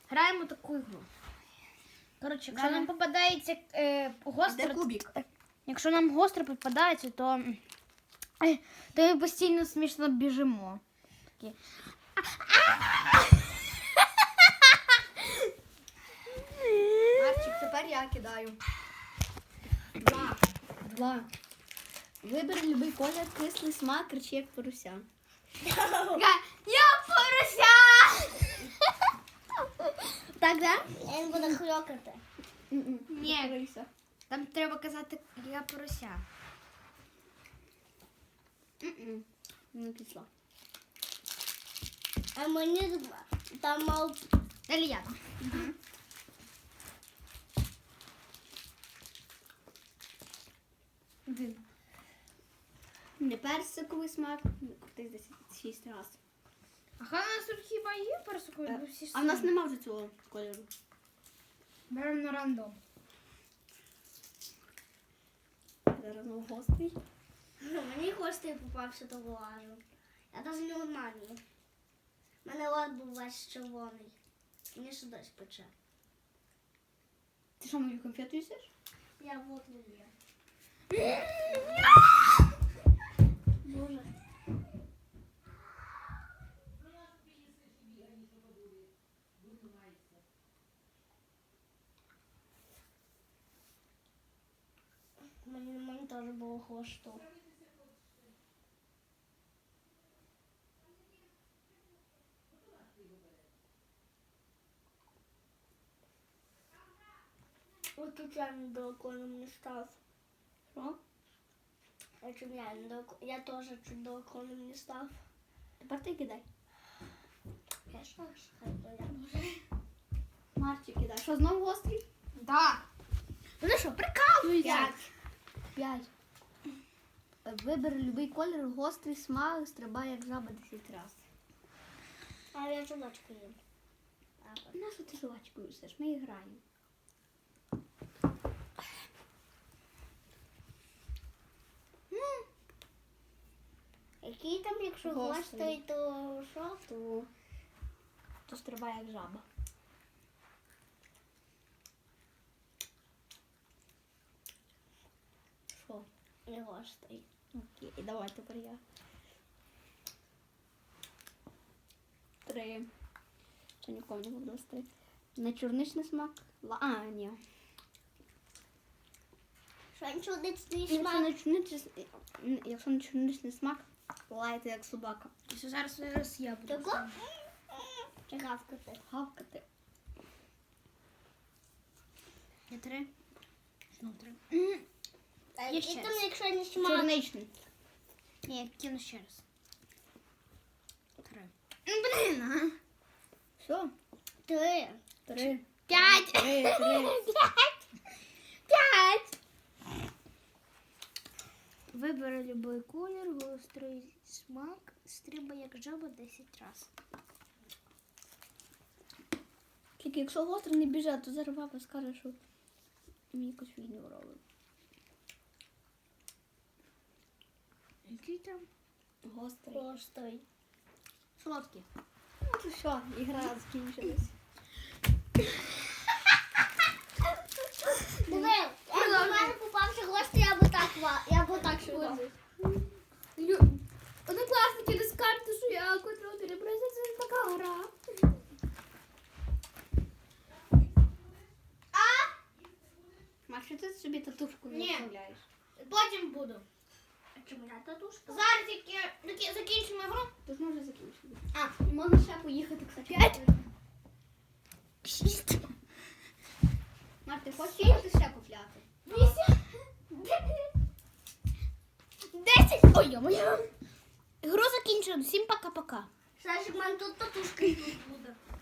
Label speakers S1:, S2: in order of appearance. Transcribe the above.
S1: Граємо таку ігру. Коротше, якщо нам попадається гостро...
S2: Де кубик?
S1: Якщо нам гостро попадається, то ми постійно смішно біжимо. Такі.
S2: Марчик, тепер я кидаю. 2. Вибери любий колір, кислий смак, кричи як поруся.
S1: Я порося!
S2: Так, да?
S3: Я не буду хрюкати.
S1: Ні.
S2: Поруся.
S1: Там треба казати, я порося.
S2: Не пішла.
S3: А мені там мав...
S1: Далі я.
S2: Один. Не персиковий смак, крутись десь 6 разів.
S1: А у нас тут хіба є персикові?
S2: А в нас нема вже цього кольору.
S1: Беремо на рандом.
S2: Зараз знову гострий.
S3: Мені хвостий попався, то вилажу. Я навіть не однаю. У мене лад був весь червоний. Мені ще дощ пече.
S2: Ти що, мою конфету їсиш?
S3: Я вот люблю.
S2: Боже.
S3: Мені теж було хвосту. Ось тут я недалеко не став.
S2: Що?
S3: Я теж чуть далеко не став.
S2: Тепер ти кидай.
S3: Я що ж? Хай то я.
S2: Марчик кидай. Що, знову гострий?
S1: Так. Ну що, прикалуйся?
S2: 5. Вибери любий колір, гострий смак, стрибай як жаба 10 разів.
S3: А я жувачку їм.
S2: На що ти жувачку їсиш? Ми граємо.
S3: Який там, якщо
S2: Гострий.
S3: гострий, то що?
S2: То стрибай як жаба. Що?
S3: Не гострий.
S2: Окей, давай тепер я. 3. Що нікому не буду 3. На чорничний смак. Ні.
S3: Що нічого не
S2: Якщо на чорничний смак, лайте як собака.
S1: Зараз я буду.
S3: Тако? Чи гавкати?
S2: Гавкати.
S1: Я 3. Знову 3.
S3: А
S1: Є
S3: який
S1: ще
S3: там,
S1: раз.
S3: якщо не смак?
S2: Чорничний.
S1: Ні, я кину ще раз. 3. Блін, а.
S2: Все?
S3: 3.
S2: 3.
S1: 5.
S2: 3.
S1: 5. Вибери любий колір, гострий смак, стрибай як жаба 10 разів.
S2: Тільки якщо гостро не біжать, то зараз папа скаже, що мені якусь фігню робить.
S1: Який там?
S2: Гострий.
S3: Гострий.
S1: Солодкий.
S2: Ну то що, ігра закінчилась.
S3: Диви, як до мене попався гострий, я б так швидко.
S1: Однокласники не скажуть, що я котру перебросила, це така гра.
S2: Маш, що ти собі татушку не
S1: Ні.
S2: вставляєш?
S1: Потім буду.
S3: А чому я татушка?
S1: Зараз тільки закінчимо гру.
S2: То ж ми вже закінчили.
S1: А,
S2: Можна ще поїхати, кстати.
S1: 5. 6.
S2: Маш, ти хочеш їхати ще купляти?
S1: 8. 10. Ой, йо-моє. Гру закінчено. Всім пока-пока.
S3: Сашик, в мене тут татушка і тут буде.